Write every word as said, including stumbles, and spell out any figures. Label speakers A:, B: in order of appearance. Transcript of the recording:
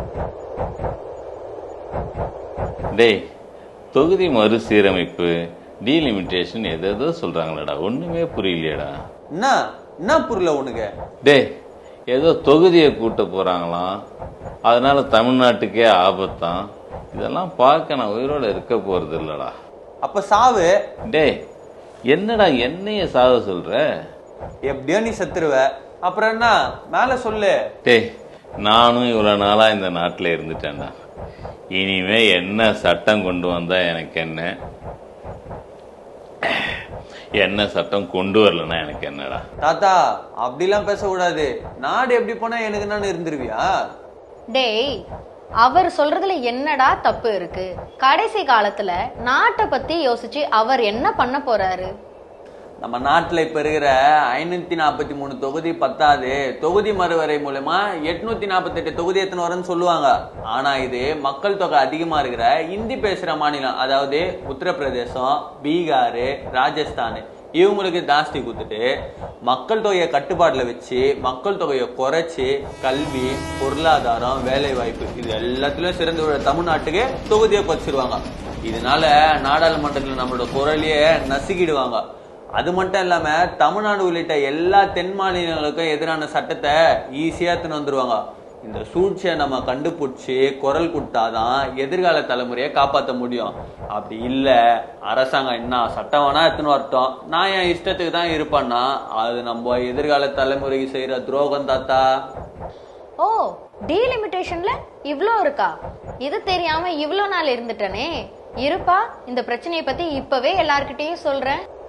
A: டேய், தொகுதி மறுசீரமைப்பு டீலிமிட்டேஷன் எதோ சொல்றாங்களடா, ஒண்ணுமே புரியலையடா.
B: என்ன என்ன புரியல உனக்கு?
A: டேய், ஏதோ தொகுதியை கூட்ட போறாங்களாம், அதனால தமிழ்நாட்டுக்கே ஆபத்தான். இதெல்லாம் பார்க்க நான் உயிரோட இருக்க போறது இல்லடா.
B: அப்ப சாவு.
A: டேய், என்னடா என்னைய சாக சொல்ற?
B: எப்படியோ நீ செத்துருவ, அப்புறம் என்ன மேல சொல்லு.
A: டேய், நானும் இவ்வளவு நாளா இந்த நாட்டுல இருந்துட்டேன்டா. இனிமே என்ன சட்டம் கொண்டு வந்தா எனக்கு என்ன, என்ன சட்டம் கொண்டு வரலன்னா எனக்கு என்னடா?
B: தாத்தா அப்படிலாம் பேசக்கூடாது. நாடு எப்படி போனா எனக்கு நான் இருந்துருவியா?
C: டேய், அவர் சொல்றதுல என்னடா தப்பு இருக்கு? கடைசி காலத்துல நாட்டை பத்தி யோசிச்சு அவர் என்ன பண்ண போறாரு?
B: நம்ம நாட்டுல இப்ப இருக்கிற ஐநூத்தி நாற்பத்தி மூணு தொகுதி பத்தாது, தொகுதி மறுவரை மூலமா எட்நூத்தி நாற்பத்தி எட்டு தொகுதி எத்தனை வரும்னு சொல்லுவாங்க. ஆனா இது மக்கள் தொகை அதிகமா இருக்கிற இந்தி பேசுற மாநிலம், அதாவது உத்தரப்பிரதேசம், பீகார், ராஜஸ்தான், இவங்களுக்கு ஜாஸ்தி கொடுத்துட்டு மக்கள் தொகையை கட்டுப்பாட்டுல வச்சு மக்கள் தொகையை குறைச்சி கல்வி, பொருளாதாரம், வேலை வாய்ப்பு இது எல்லாத்திலும் சிறந்து தமிழ்நாட்டுக்கு தொகுதியை குறைச்சிருவாங்க. இதனால நாடாளுமன்றத்தில் நம்மளோட குரலையே நசுக்கிடுவாங்க. அது மட்டும் இல்லாம தமிழ்நாடு உள்ளிட்ட எல்லா தென் மாநிலங்களுக்கும் எதிரான சட்டத்தை ஈஸியா எடுத்துன்னு வந்துருவாங்க. இந்த சூழ்ச்சியை நம்ம கண்டுபிடிச்சி குரல் கொடுத்தாதான் எதிர்கால தலைமுறையை காப்பாற்ற முடியும். அப்படி இல்ல அரசாங்கம் என்ன சட்டம் வேணா எடுத்துன்னு வரட்டும், நான் என் இஷ்டத்துக்கு தான் இருப்பேன்னா அது நம்ம எதிர்கால தலைமுறைக்கு செய்யற துரோகம் தாத்தா.
C: ஓ, டீலிமிட்டேஷன்ல இவ்ளோ இருக்கா? இது தெரியாம இவ்ளோ நாள் இருந்துட்டனே. இருப்பா, இந்த பிரச்சனையை பத்தி இப்பவே எல்லார்கிட்டயும் சொல்றேன்.